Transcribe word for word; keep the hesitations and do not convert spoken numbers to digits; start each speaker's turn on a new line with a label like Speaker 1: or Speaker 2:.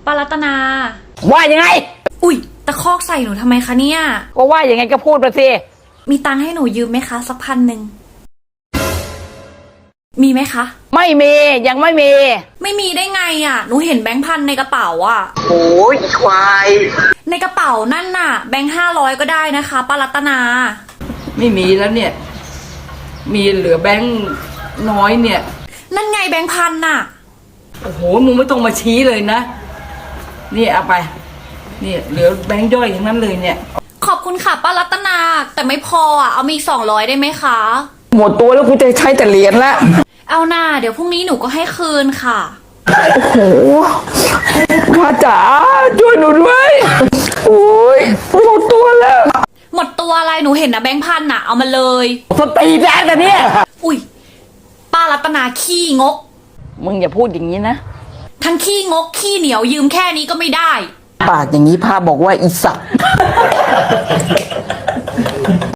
Speaker 1: ป้ารัตนา
Speaker 2: ว่ายังไง
Speaker 1: อุ๊ยตะคอกใส่หนูทำไมคะเนี่ย
Speaker 2: ก็ว่ายังไงก็พูดมาสิ
Speaker 1: มีตังค์ให้หนูยืมไหมคะสักพันหนึ่งมีไหมคะ
Speaker 2: ไม่มียังไม่มี
Speaker 1: ไม่มีได้ไงอ่ะหนูเห็นแบงค์พันในกระเป๋าอ่ะ
Speaker 3: โอ้ยอีควาย
Speaker 1: ในกระเป๋านั่นน่ะแบงค์ห้าร้อยก็ได้นะคะป้ารัตนา
Speaker 4: ไม่มีแล้วเนี่ยมีเหลือแบงค์น้อยเนี่ย
Speaker 1: นั่นไงแบงค์พันน่ะ
Speaker 4: โอ้โหมึงไม่ต้องมาชี้เลยนะนี่เอาไปนี่เหลือแบงค์ย่อยอย่างนั้นเลยเนี่ย
Speaker 1: ขอบคุณค่ะป้ารัตนาแต่ไม่พออ่ะเอามีสองร้อยได้ไหมคะ
Speaker 2: หมดตัวแล้วกูจะใช้แต่เหรียญละ
Speaker 1: เอาหน้าเดี๋ยวพรุ่งนี้หนูก็ให้คืนค่ะ
Speaker 2: โอ้โหพ่อจ๋าช่วยหนูด้วยโอ้ยหมดตัวแล้ว
Speaker 1: หมดตัวอะไรหนูเห็นนะแบงค์พันน่ะเอามาเลย
Speaker 2: สตีแดงแต่เนี่ย
Speaker 1: อุ้ยป้ารัตนาขี้งก
Speaker 2: มึงอย่าพูดอย่างนี้นะ
Speaker 1: ทั้งขี้งกขี้เหนียวยืมแค่นี้ก็ไม่ได้
Speaker 2: ปากอย่างนี้พาบอกว่าอีสัตว์